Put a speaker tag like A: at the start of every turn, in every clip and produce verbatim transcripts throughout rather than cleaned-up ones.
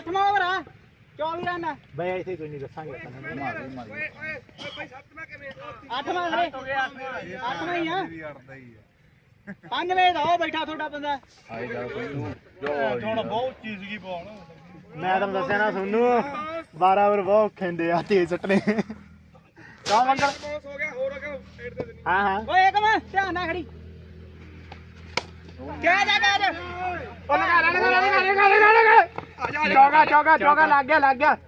A: ਅੱਠਵਾਂ over ਆ ਚੌਵੀ run
B: ਬਈ ਇੱਥੇ ਕੋਈ ਨਹੀਂ ਦੱਸਾਂਗੇ ਆਪਾਂ ਮਾਰ ਮਾਰ ਓਏ ਓਏ
A: ਬਈ ਸੱਤਵਾਂ ਕਿਵੇਂ ਅੱਠਵਾਂ ਵੀਰੇ ਅੱਠਵਾਂ ਹੀ ਆ ਪੰਜਵੇਂ ਦਾ ਉਹ ਬੈਠਾ ਤੁਹਾਡਾ ਬੰਦਾ
B: ਆਏ ਜਾ ਕੋਈ ਨੂੰ
C: ਹੁਣ ਬਹੁਤ ਚੀਜ਼ ਕੀ ਬਾਲ
B: ਮੈਂ ਤੁਹਾਨੂੰ ਦੱਸਿਆ ਨਾ ਸੋਨੂੰ ਬਾਰਾਂ ਓਵਰ ਬਹੁਤ ਖੇਂਦੇ ਆ ਤੇਜ਼ ਸੱਟਨੇ ਕਾ ਮੰਗਲ
C: ਹੋ ਗਿਆ ਹੋਰ ਅਗਾ ਏਡ ਦੇ ਦੇਣੀ
B: ਹਾਂ ਹਾਂ
A: ਓਏ ਇੱਕ ਮੈਂ ਧਿਆਨ ਨਾਲ ਖੜੀ ਕਹਿ ਜਾ ਕਹਿ ਜਾ
B: ਉਹ ਲਗਾ ਲਗਾ ਲਗਾ ਲਗਾ ਲਗਾ ਲਗਾ ਚੌਗਾ ਚੌਗਾ ਚੌਗਾ ਲੱਗ ਗਿਆ ਲੱਗ ਗਿਆ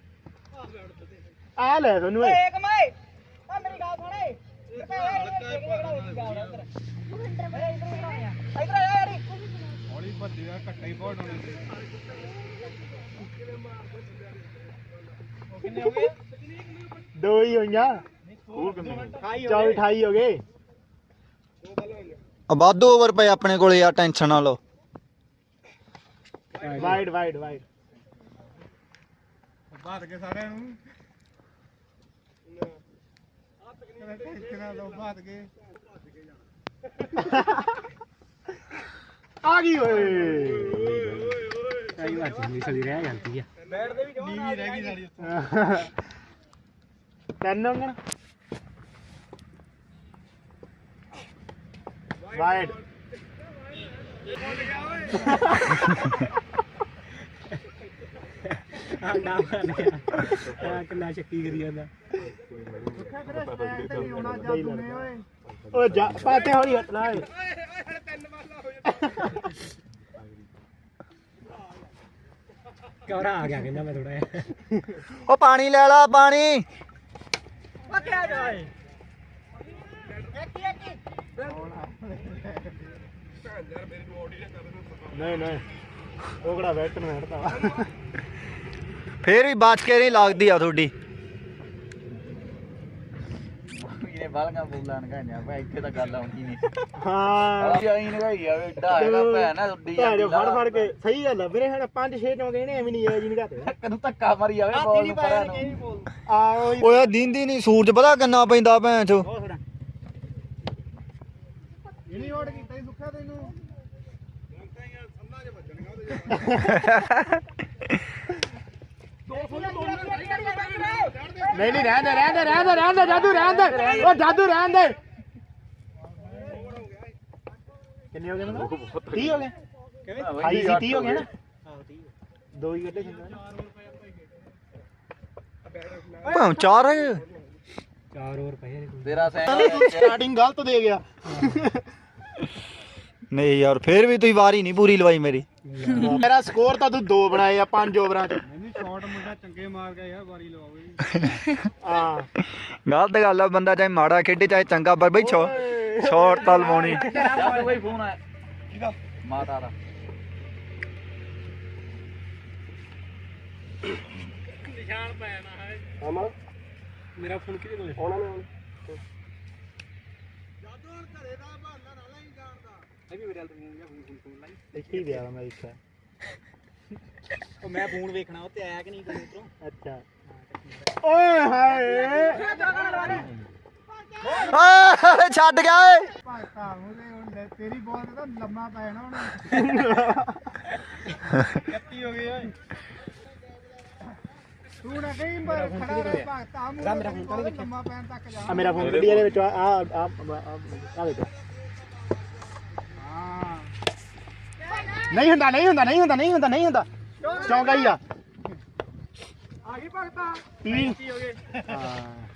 B: ਆ ਲੈ ਸੋਨੂੰ
A: ਓਏ ਇੱਕ ਮੈਂ ਆ ਮੇਰੀ ਗੱਲ ਸੁਣ ਏ ਇਧਰ ਆ ਯਾਰੀ
C: ਹੌਲੀ ਭੱਜਿਆ ਘੱਟਾ ਹੀ ਬਹੁਤ ਹੋਣੇ ਕਿੰਨੇ ਹੋ ਗਏ
B: ਦੋ ਹੀ ਹੋਈਆਂ ਚੌਵੀ ਅਠਾਈ ਹੋ ਗਏ
D: ਵਾਧੂ ਓਵਰ ਪਏ ਆਪਣੇ ਕੋਲੇ ਯਾਰ ਟੈਨਸ਼ਨ ਨਾ ਲਓ
B: ਵਾਈਡ ਵਾਈਡ ਵਾਈਡ
C: ਬਾਤ ਕੇ ਸਾਰਿਆਂ ਨੂੰ ਟੈਨਸ਼ਨ ਲਓ ਬਾਤ ਕੇ
B: ਆ ਗਈ ਓਏ
A: ਕਈ ਵਾਰ ਚੰਗੀ ਸਲੀ ਰਹਿ ਜਾਂਦੀ ਆ
C: ਬੈਟ ਦੇ ਵੀ ਨੀਵੀਂ ਰਹਿ ਗਈ ਸਾਡੀ ਉੱਥੇ
B: ਤਿੰਨ ਅੰਗਣ ਵਾਈਡ
A: ਆ ਨਾ ਆ ਕਿੰਨਾ ਚੱਕੀ ਕਰੀ ਜਾਂਦਾ
B: ਓਏ ਜਾ ਪਾਤੇ ਹੌਲੀ ਹਟਣਾ ਓਏ
A: ਕਵਰਾ ਆ ਗਿਆ ਕਹਿੰਦਾ ਮੈਂ ਥੋੜਾ ਜਿਹਾ
D: ਉਹ ਪਾਣੀ ਲੈ ਲਾ ਪਾਣੀ
A: ਓ ਕਿਆ ਜਾਏ ਇੱਕ ਇੱਕ
B: ਨਹੀਂ ਨਹੀਂ ਉਹ ਕਿਹੜਾ ਬੈਟ ਨੂੰ ਹਟਦਾ ਵਾ
D: ਫੇਰ ਵੀ ਬਚ ਕੇ ਨਹੀਂ ਲੱਗਦੀ ਆ ਤੁਹਾਡੀ
E: ਇਹਨੇ ਬਾਲਗਾ ਬੋਲਾਂ ਨਗਾਈਆਂ ਭਾਈ ਇੱਥੇ ਤਾਂ ਗੱਲ ਆਉਂਦੀ ਨਹੀਂ
B: ਹਾਂ
E: ਆਈ ਨਗਾਈ ਆ ਏਡਾ ਹੈਗਾ ਭੈਣ ਆ ਉੱਡੀ
B: ਭੈਣ ਚੋ ਫੜ ਫੜ ਕੇ ਸਹੀ ਗੱਲ ਆ ਵੀਰੇ ਹੁਣ ਪੰਜ ਛੇ ਚੌਂਕੇ ਨੇ ਐਵੇਂ ਨਹੀਂ ਜੀ ਨਿਗਾਤੇ
E: ਕਦੋਂ ਧੱਕਾ ਮਾਰੀ ਜਾਵੇ ਬਾਲ ਨੂੰ ਪਰਾਂ ਨੂੰ
B: ਆ ਓਏ
D: ਓਏ ਦੀਂਦੀ ਨਹੀਂ ਸੂਰਜ ਪਤਾ ਕਿੰਨਾ ਪੈਂਦਾ ਭੈਣ ਚੋ
C: ਇਹ ਨਹੀਂ ਓੜ ਕੀਤਾ ਹੀ ਸੁੱਖਾ ਤੈਨੂੰ ਹੁਣ ਤਾਂ ਯਾਰ ਸੰਨਾ ਚ ਵੱਜਣਗਾ ਉਹਦੇ
B: ਨਹੀਂ ਨਹੀਂ ਰਹਿਣ ਦੇ ਰਹਿਣ ਦੇ ਰਹਿਣ ਦੇ ਰਹਿਣ ਦੇ ਜਾਦੂ ਰਹਿਣ ਦੇ ਓ ਜਾਦੂ ਰਹਿਣ ਦੇ ਕਿੰਨੇ ਹੋ ਗਏ ਮੈਨੂੰ ਤੀਹ ਹੋ ਗਏ ਕਿਵੇਂ ਅਠਾਈ ਸੀ ਤੀਹ ਹੋ ਗਏ ਨਾ ਹਾਂ ਤੀਹ ਦੋ ਹੀ ਗੱਡੇ ਚੰਗਾ
D: ਭਾਂ ਚਾਰ ਹੈ
A: ਚਾਰ ਓਵਰ ਪਏ
E: ਤੇਰਾ ਸੈਂ
B: ਸਟਾਰਟਿੰਗ ਗਲਤ ਦੇ ਗਿਆ
D: ਨਹੀਂ ਯਾਰ ਫੇਰ ਵੀ ਤੁਸੀਂ ਵਾਰੀ ਨਹੀਂ ਪੂਰੀ ਲਵਾਈ ਮੇਰੀ
B: ਮੇਰਾ ਸਕੋਰ ਤਾਂ ਤੂੰ ਦੋ ਬਣਾਏ ਆ ਪੰਜ ਓਵਰਾਂ ਚ
C: ਨਹੀਂ ਸ਼ਾਟ ਮੁੰਡਾ ਚੰਗੇ ਮਾਰ ਗਿਆ ਯਾਰ ਵਾਰੀ ਲਵਾਓ ਜੀ
B: ਹਾਂ
D: ਗਲਤ ਗੱਲ ਆ ਬੰਦਾ ਚਾਹੇ ਮਾੜਾ ਖੇਡੇ ਚਾਹੇ ਚੰਗਾ ਪਰ ਬਈ ਛੋ ਸ਼ਾਟ ਤਾਂ ਲਵਾਉਣੀ
E: ਯਾਰ ਕੋਈ ਫੋਨ ਆਇਆ ਠੀਕ ਆ ਮਾਤਾ ਦਾ
C: ਨਿਸ਼ਾਨ ਪਾਇਆ ਨਾ ਹੈ
B: ਅਮਲ
A: ਮੇਰਾ ਫੋਨ ਕਿਹਦੇ ਕੋਲ
B: ਆਉਣਾ ਨੇ
C: ਜਾਦੂ ਹੁਣ ਘਰੇ ਦਾ ਬਹਾਨਾ ਨਾ ਲਈ ਜਾਣਦਾ
A: ਇਹ ਵੀ ਮੇਰੇ ਨਾਲ ਫੋਨ ਫੋਨ ਫੋਨ ਲਾਈ
B: ਇੱਥੇ ਹੀ ਪਿਆ ਮੈਂ ਇੱਥੇ
A: ਉਹ ਮੈਂ ਫੋਨ ਵੇਖਣਾ ਉਹ ਤੇ ਆਇਆ ਕਿ ਨਹੀਂ ਕੋਈ ਉਧਰੋਂ
B: ਅੱਛਾ ਓਏ ਹਾਏ
D: ਆ ਛੱਡ ਗਿਆ ਓਏ
C: ਭਾਗਤਾ ਉਹਦੇ ਹੁਣ ਤੇਰੀ ਬਾਲ ਤੇ ਤਾਂ ਲੰਮਾ ਪੈ ਜਾਣਾ ਹੁਣ ਕੱਤੀ ਹੋ ਗਈ ਓਏ ਤੂੰ ਨਾ ਕਹੀਂ ਪਰ ਖੜਾ ਰਹਿ ਭਾਗਤਾ ਮੂੰਹ ਲੰਮਾ ਪੈਣ ਤੱਕ ਜਾ
B: ਆ ਮੇਰਾ ਫੋਨ ਕੱਢੀ ਇਹਦੇ ਵਿੱਚ ਆ ਆ ਆ ਆ ਵੇਖ
C: ਹਾਂ
B: ਨਹੀਂ ਹੁੰਦਾ ਨਹੀਂ ਹੁੰਦਾ ਨਹੀਂ ਹੁੰਦਾ ਨਹੀਂ ਹੁੰਦਾ ਨਹੀਂ ਹੁੰਦਾ ਚੌਂਕਾ ਹੀ ਆ
C: ਆ ਗਈ ਭਗਤਾ
B: ਤੀਹ
C: ਹੋ ਗਏ
B: ਹਾਂ